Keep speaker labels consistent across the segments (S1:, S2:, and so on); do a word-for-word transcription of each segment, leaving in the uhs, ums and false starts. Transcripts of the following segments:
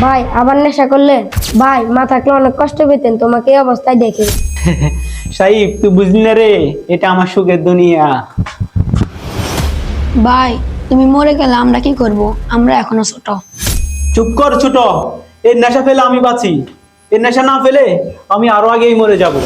S1: ভাই আবার নেশা করলে ভাই মা থাকলে অনেক কষ্ট পেতেন তোমাকে এই অবস্থায় দেখে।
S2: সাইব তুই বুঝলি না রে, এটা আমার সুখের দুনিয়া।
S3: ভাই তুমি মরে গেলে আমরা কি করব? আমরা এখনো ছোট।
S2: চুপ কর ছোট, এর নেশা ফেলে আমি বাঁচি, এর নেশা না ফেলে আমি আরো আগেই মরে যাব।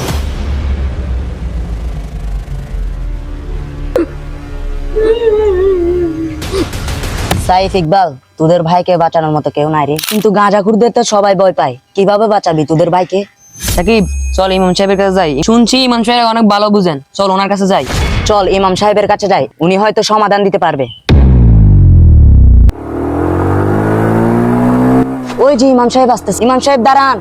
S4: সাইফ ইকবাল, তোদের ভাইকে বাঁচানোর মতো কেউ নাই রে, কিন্তু গাঁজাখুরদের তো সবাই ভয় পায়। কিভাবে বাঁচাবি তোদের ভাইকে?
S5: সাকিব চল ইমাম সাহেবের কাছে যাই, শুনছি ইমাম সাহেব অনেক ভালো বুঝেন, চল ওনার কাছে যাই।
S4: চল ইমাম সাহেবের কাছে যাই, উনি হয়তো সমাধান দিতে পারবে। ওই যে ইমাম সাহেব আসতেছে। ইমাম সাহেব দাঁড়ান।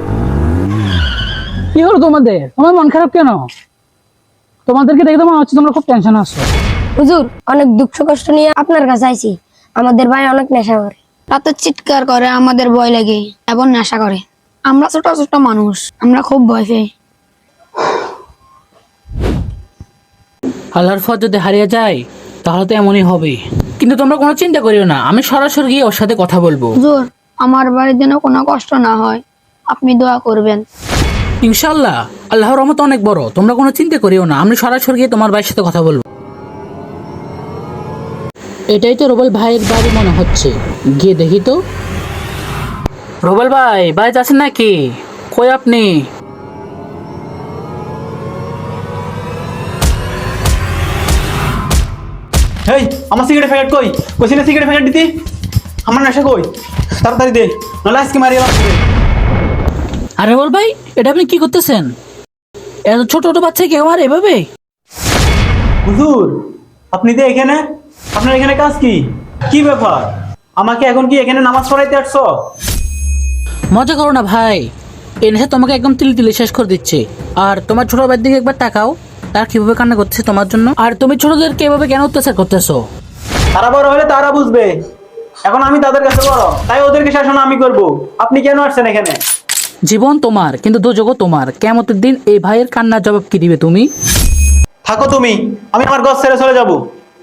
S6: কি হলো তোমাদের? তোমার মন খারাপ কেন? তোমাদেরকে দেখে তো মনে হচ্ছে তোমরা খুব টেনশন আছো।
S1: হুজুর অনেক দুঃখ কষ্ট নিয়ে আপনার কাছে আইছি। আমাদের ভাই অনেক নেশা করে,
S3: রাতে চিৎকার করে, আমাদের ভয় লাগে এবং নেশা করে। আমরা ছোট ছোট মানুষ, আমরা খুব ভয় পাই।
S6: আল্লাহর ফত যদি হারিয়ে যায় তাহলে তো এমনই হবে, কিন্তু তোমরা কোনো চিন্তা করিও না, আমি সরাসরি গিয়ে ওর সাথে কথা বলবো।
S3: হুজুর আমার বাড়ির যেন কোনো কষ্ট না হয়, আপনি দোয়া করবেন।
S6: ইনশাআল্লাহ আল্লাহর রহমত অনেক বড়, তোমরা কোনো চিন্তা করিও না, আমি সরাসরি গিয়ে তোমার ভাইয়ের সাথে কথা বলবো। এটাই তো রুবেল ভাইয়ের বাড়ি মনে হচ্ছে, গিয়ে দেখি তো। রুবেল ভাই বাড়িতে আছেন নাকি? কই আপনি?
S2: হেই আমার সিগারেট প্যাকেট কই? কইছি না সিগারেট প্যাকেট দিতে? আমার নেশা কই? তাড়াতাড়ি দে, নাহলে আজকে মারিয়ে লাগবে।
S6: আরে রুবেল ভাই, এটা আপনি কি করতেছেন? এত ছোট ছোট বাচ্চা কেউ আর এভাবে?
S2: হুজুর আপনি তো এখানে, আপনার এখানে কাজ কি? কি ব্যাপার? আমাকে এখন কি এখানে নামাজ পড়াইতে আসছো?
S6: মজা করো না ভাই, এই নেশা তোমাকে একদম তিল তিলে শেষ করে দিচ্ছে। আর তোমার ছোট ভাইয়ের দিকে একবার তাকাও, তার কিভাবে কান্না করছে তোমার জন্য। আর তুমি ছোটদেরকে এভাবে কেন অত্যাচার করতেছো?
S2: তারা বড় হলে তারা বুঝবে, এখন আমি তাদের কাছে বড়, তাই ওদেরকে শাসন আমি করব। আপনি কেন আসছেন এখানে?
S6: জীবন তোমার, কিন্তু দোজগও তোমার। কিয়ামতের দিন এই ভাইয়ের কান্নার জবাব কি দিবে তুমি?
S2: থাকো তুমি, আমি আমার ঘর ছেড়ে চলে যাব।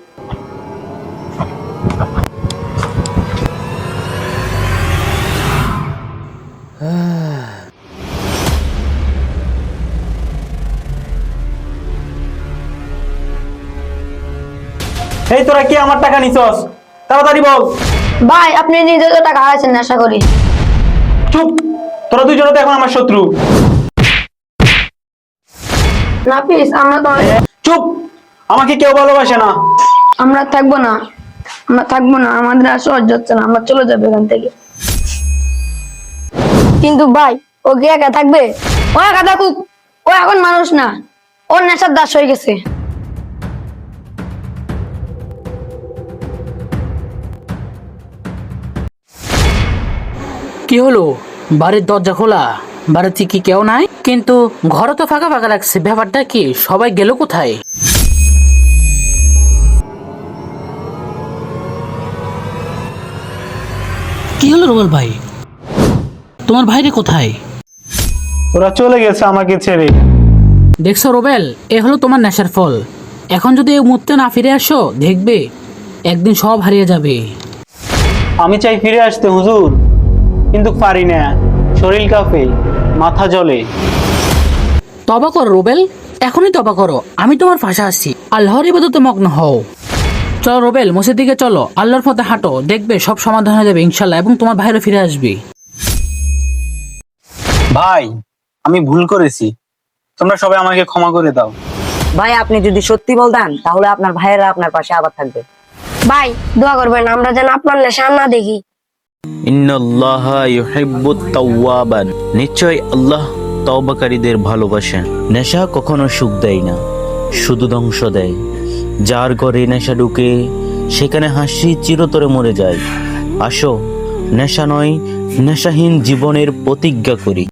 S2: এই তোরা কি আমার টাকা নিছস? তাড়াতাড়ি বল।
S3: ভাই আপনি নিজে তো টাকা হারাইছেন নেশা করি।
S2: চুপ, তোরা দুইজনে তো এখন আমার শত্রু।
S3: না প্লিজ, আমরা তো
S2: চুপ, আমাকে কেউ ভালোবাসে না।
S3: আমরা থাকবো না, আমরা থাকবো না, আমাদের আর সহ্য হচ্ছে না, আমরা চলে যাবো এখান থেকে।
S1: কিন্তু ভাই ও কি একা থাকবে?
S3: ও একা থাকুক, ও এখন মানুষ না, ওর নেশার দাস হয়ে গেছে।
S6: কি হলো? বাড়ির দরজা খোলা, বাড়িতে কি কেউ নাই? কিন্তু ঘরে তো ফাঁকা ফাঁকা লাগছে, ব্যাপারটা কি? সবাই গেল কোথায়? কি হলো রুবেল ভাই, তোমার ভাইরে কোথায়?
S2: ওরা চলে গেছে আমাকে ছেড়ে।
S6: দেখছো রুবেল, এ হলো তোমার নেশার ফল। এখন যদি এই মুহূর্তে না ফিরে আসো, দেখবে একদিন সব হারিয়ে যাবে।
S2: আমি চাই ফিরে আসতে হুজুর, কিন্তু পারি না, শরীর কাঁপে, মাথা জ্বলে।
S6: তবা করো রুবেল, এখনই তবা করো, আমি তোমার পাশে আসছি। আল্লাহর ইবাদতে মগ্ন হও। চলো রুবেল, মসজিদ দিকে চলো, আল্লাহর পথে হাঁটো, দেখবে সব সমাধান হয়ে যাবে ইনশাল্লাহ, এবং তোমার ভাইরা ফিরে আসবে।
S2: ভাই আমি ভুল করেছি, তোমরা সবাই আমাকে ক্ষমা করে দাও।
S4: ভাই আপনি যদি সত্যি বলতেন তাহলে আপনার ভাইয়েরা আপনার পাশে আবার থাকবে।
S1: ভাই দোয়া করবেন আমরা যেন আপনার নেশা না দেখি।
S7: ইন্নাল্লাহা ইউহিব্বুত তাওয়াবান, নিশ্চয় আল্লাহ তওবাকারীদের ভালোবাসেন। নেশা কখনো সুখ দেয় না, শুধু ধ্বংস দেয়। যার ঘরে নেশা ঢুকে সেখানে হাসি চিরতরে মরে যায়। আসো নেশা নয়, নেশাহীন জীবনের প্রতিজ্ঞা করি।